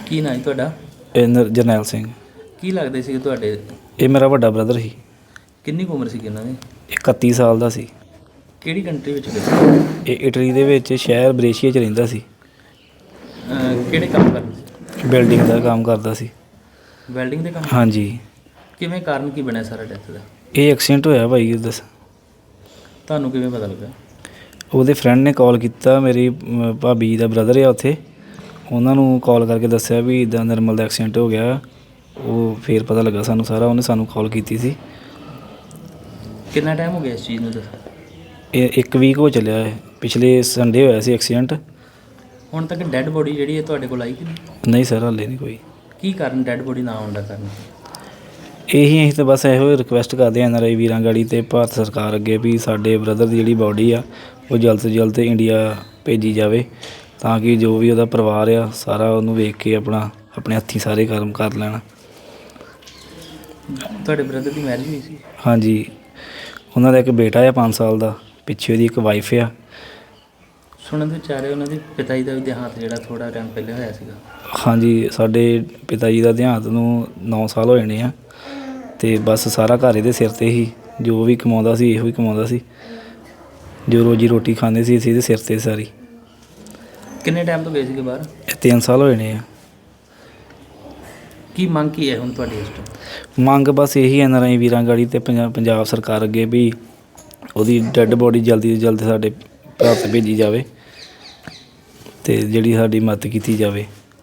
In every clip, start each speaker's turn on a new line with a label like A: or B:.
A: ਕੀ ਨਾਂ ਜੀ ਤੁਹਾਡਾ?
B: ਜਰਨੈਲ ਸਿੰਘ।
A: ਕੀ ਲੱਗਦੇ ਸੀ ਤੁਹਾਡੇ?
B: ਇਹ ਮੇਰਾ ਵੱਡਾ ਬ੍ਰਦਰ ਸੀ।
A: ਕਿੰਨੀ ਕੁ ਉਮਰ ਸੀ ਇਹਨਾਂ ਦੀ?
B: 31 ਸਾਲ ਦਾ ਸੀ।
A: ਕਿਹੜੀ ਕੰਟਰੀ ਵਿੱਚ ਗਏ ਸੀ?
B: ਇਹ ਇਟਲੀ ਦੇ ਵਿੱਚ ਸ਼ਹਿਰ ਬਰੇਸ਼ੀਆ 'ਚ ਰਹਿੰਦਾ ਸੀ।
A: ਕਿਹੜੇ ਕੰਮ ਕਰਦੇ ਸੀ?
B: ਬਿਲਡਿੰਗ ਦਾ ਕੰਮ ਕਰਦਾ ਸੀ।
A: ਵੈਲਡਿੰਗ ਦੇ ਕੰਮ?
B: ਹਾਂਜੀ।
A: ਕਿਵੇਂ, ਕਾਰਨ ਕੀ ਬਣਿਆ ਸਾਰਾ ਡੈਥ ਦਾ?
B: ਇਹ ਐਕਸੀਡੈਂਟ ਹੋਇਆ ਭਾਈ। ਦੱਸ
A: ਤੁਹਾਨੂੰ ਕਿਵੇਂ ਪਤਾ ਲੱਗਾ?
B: ਉਹਦੇ ਫਰੈਂਡ ਨੇ ਕਾਲ ਕੀਤਾ। ਮੇਰੀ ਭਾਬੀ ਦਾ ਬ੍ਰਦਰ ਆ ਉੱਥੇ, ਉਹਨਾਂ ਨੂੰ ਕਾਲ ਕਰਕੇ ਦੱਸਿਆ ਵੀ ਇੱਦਾਂ ਨਿਰਮਲ ਦਾ ਐਕਸੀਡੈਂਟ ਹੋ ਗਿਆ। ਉਹ ਫਿਰ ਪਤਾ ਲੱਗਾ ਸਾਨੂੰ ਸਾਰਾ। ਉਹਨੇ ਸਾਨੂੰ ਕਾਲ ਕੀਤੀ ਸੀ।
A: ਕਿੰਨਾ ਟਾਈਮ ਹੋ ਗਿਆ ਇਸ ਚੀਜ਼ ਨੂੰ? ਦੱਸ।
B: ਇਹ 1 ਵੀਕ ਹੋ ਚੱਲਿਆ ਹੈ। ਪਿਛਲੇ ਸੰਡੇ ਹੋਇਆ ਸੀ ਐਕਸੀਡੈਂਟ।
A: ਹੁਣ ਤੱਕ ਡੈੱਡ ਬੋਡੀ ਜਿਹੜੀ ਹੈ ਤੁਹਾਡੇ ਕੋਲ ਆਈ ਕਿ ਨਹੀਂ?
B: ਨਹੀਂ ਸਰ, ਹਾਲੇ ਨਹੀਂ ਕੋਈ।
A: ਕੀ ਕਾਰਨ ਡੈੱਡ ਬੋਡੀ ਨਾ ਆਉਣ ਦਾ ਕਾਰਨ?
B: ਅਸੀਂ ਤਾਂ ਬਸ ਇਹੋ ਰਿਕੁਐਸਟ ਕਰਦੇ ਹਾਂ NRI ਵੀਰਾਂ ਗਾੜੀ ਅਤੇ ਭਾਰਤ ਸਰਕਾਰ ਅੱਗੇ ਵੀ ਸਾਡੇ ਬ੍ਰਦਰ ਦੀ ਜਿਹੜੀ ਬਾਡੀ ਆ ਉਹ ਜਲਦ ਤੋਂ ਜਲਦ ਇੰਡੀਆ ਭੇਜੀ ਜਾਵੇ, ਤਾਂ ਕਿ ਜੋ ਵੀ ਉਹਦਾ ਪਰਿਵਾਰ ਆ ਸਾਰਾ ਉਹਨੂੰ ਵੇਖ ਕੇ ਆਪਣੇ ਹੱਥੀਂ ਸਾਰੇ ਕਰਮ ਕਰ ਲੈਣ।
A: ਤੁਹਾਡੇ ਬ੍ਰਦਰ ਦੀ ਮੈਰਿਜ ਹੋਈ ਸੀ? ਹਾਂਜੀ।
B: ਉਹਨਾਂ ਦਾ ਇੱਕ ਬੇਟਾ ਆ 5 ਸਾਲ ਦਾ, ਪਿੱਛੇ ਉਹਦੀ ਇੱਕ ਵਾਈਫ ਆ।
A: ਸੁਣਨ ਦੇ ਵਿੱਚ ਆ ਰਿਹਾ ਉਹਨਾਂ ਦੇ ਪਿਤਾ ਜੀ ਦਾ ਵੀ ਦੇਹਾਂਤ ਜਿਹੜਾ ਥੋੜ੍ਹਾ ਟਾਈਮ ਪਹਿਲੇ ਹੋਇਆ ਸੀਗਾ।
B: ਹਾਂਜੀ, ਸਾਡੇ ਪਿਤਾ ਜੀ ਦਾ ਦੇਹਾਂਤ ਨੂੰ 9 ਸਾਲ ਹੋ ਜਾਣੇ ਆ। ਅਤੇ ਬਸ ਸਾਰਾ ਘਰ ਇਹਦੇ ਸਿਰ 'ਤੇ ਹੀ, ਜੋ ਵੀ ਕਮਾਉਂਦਾ ਸੀ ਇਹੋ ਹੀ ਕਮਾਉਂਦਾ ਸੀ। ਜੋ ਰੋਜੀ ਰੋਟੀ ਖਾਂਦੇ ਸੀ ਅਸੀਂ ਇਹਦੇ ਸਿਰ 'ਤੇ ਸਾਰੀ।
A: ਕਿੰਨੇ ਟਾਈਮ ਤੋਂ ਗਏ ਸੀਗੇ ਬਾਹਰ?
B: 3 ਸਾਲ ਹੋ ਜਾਣੇ ਆ।
A: ਕੀ ਮੰਗ ਕੀ ਹੈ ਹੁਣ ਤੁਹਾਡੀ ਇਸ ਟਾਈਮ?
B: ਮੰਗ ਬਸ ਇਹੀ NRI ਵੀਰਾਂ ਗਾੜੀ ਅਤੇ ਪੰਜਾਬ ਸਰਕਾਰ ਅੱਗੇ ਵੀ ਉਹਦੀ ਡੈੱਡ ਬੋਡੀ ਜਲਦੀ ਤੋਂ ਜਲਦੀ ਸਾਡੇ ਭਾਰਤ ਭੇਜੀ ਜਾਵੇ ਅਤੇ ਜਿਹੜੀ ਸਾਡੀ ਮਦਦ ਕੀਤੀ ਜਾਵੇ।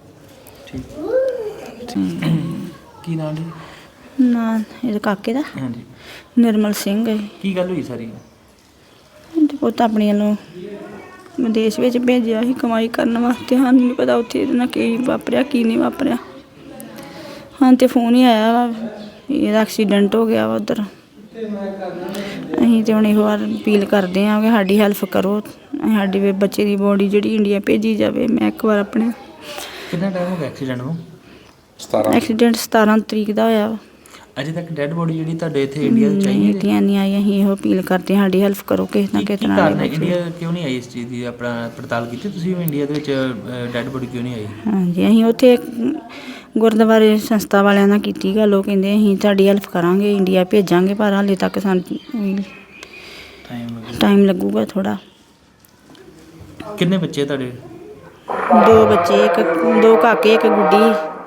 A: ਕੀ ਨਾਮ ਜੀ?
C: ਨਾਂ ਇਹਦੇ ਕਾਕੇ ਦਾ
A: ਹਾਂਜੀ।
C: ਨਿਰਮਲ ਸਿੰਘ ਹੈ।
A: ਕੀ ਗੱਲ ਹੋਈ ਸਾਰੀ?
C: ਅਤੇ ਪੁੱਤ ਆਪਣੀਆਂ ਨੂੰ ਵਿਦੇਸ਼ ਵਿੱਚ ਭੇਜਿਆ ਸੀ ਕਮਾਈ ਕਰਨ ਵਾਸਤੇ। ਸਾਨੂੰ ਨਹੀਂ ਪਤਾ ਉੱਥੇ ਇਹਦੇ ਨਾਲ ਕੀ ਵਾਪਰਿਆ ਕੀ ਨਹੀਂ ਵਾਪਰਿਆ। ਹਾਂ ਤਾਂ ਫੋਨ ਹੀ ਆਇਆ ਵਾ ਇਹਦਾ ਐਕਸੀਡੈਂਟ ਹੋ ਗਿਆ ਵਾ ਉੱਧਰ। ਅਸੀਂ ਤਾਂ ਹੁਣ ਇਹੋ ਵਾਰ ਅਪੀਲ ਕਰਦੇ ਹਾਂ ਕਿ ਸਾਡੀ ਹੈਲਪ ਕਰੋ, ਸਾਡੀ ਬੱਚੇ ਦੀ ਬੋਡੀ ਜਿਹੜੀ ਇੰਡੀਆ ਭੇਜੀ ਜਾਵੇ। ਮੈਂ ਇੱਕ ਵਾਰ ਆਪਣੇ
A: ਕਿੰਨਾ ਟਾਈਮ ਹੋ ਗਿਆ ਐਕਸੀਡੈਂਟ ਨੂੰ?
C: ਐਕਸੀਡੈਂਟ 17 ਤਰੀਕ ਦਾ ਹੋਇਆ ਵਾ।
A: ਅਜੇ ਤੱਕ ਡੈੱਡ ਬੋਡੀ ਜਿਹੜੀ ਤੁਹਾਡੇ ਇੱਥੇ ਇੰਡੀਆ 'ਚ ਆਈ
C: ਨਹੀਂ ਆਈ। ਅਸੀਂ ਇਹੋ ਅਪੀਲ ਕਰਦੇ ਹਾਂ ਸਾਡੀ ਹੈਲਪ ਕਰੋ ਕਿਸੇ ਨਾ ਕਿਸੇ ਤਰ੍ਹਾਂ।
A: ਇੰਡੀਆ ਕਿਉਂ ਨਹੀਂ ਆਈ? ਇਸ ਚੀਜ਼ ਦੀ ਆਪਣਾ ਪੜਤਾਲ ਕੀਤੀ ਤੁਸੀਂ ਵੀ ਇੰਡੀਆ ਦੇ ਵਿੱਚ ਡੈੱਡ ਬੋਡੀ ਕਿਉਂ ਨਹੀਂ ਆਈ? ਹਾਂਜੀ,
C: ਅਸੀਂ ਉੱਥੇ ਗੁਰਦੁਆਰੇ ਸੰਸਥਾ ਵਾਲਿਆਂ ਨਾਲ ਕੀਤੀ ਗੱਲ। ਉਹ ਕਹਿੰਦੇ ਅਸੀਂ ਤੁਹਾਡੀ ਹੈਲਪ ਕਰਾਂਗੇ, ਇੰਡੀਆ ਭੇਜਾਂਗੇ, ਪਰ ਹਾਲੇ ਤੱਕ ਸਾਨੂੰ ਟਾਈਮ ਲੱਗੂਗਾ ਥੋੜ੍ਹਾ।
A: ਕਿੰਨੇ ਬੱਚੇ ਤੁਹਾਡੇ?
C: 2 ਬੱਚੇ, 2 ਕਾਕੇ, 1 ਗੁੱਡੀ।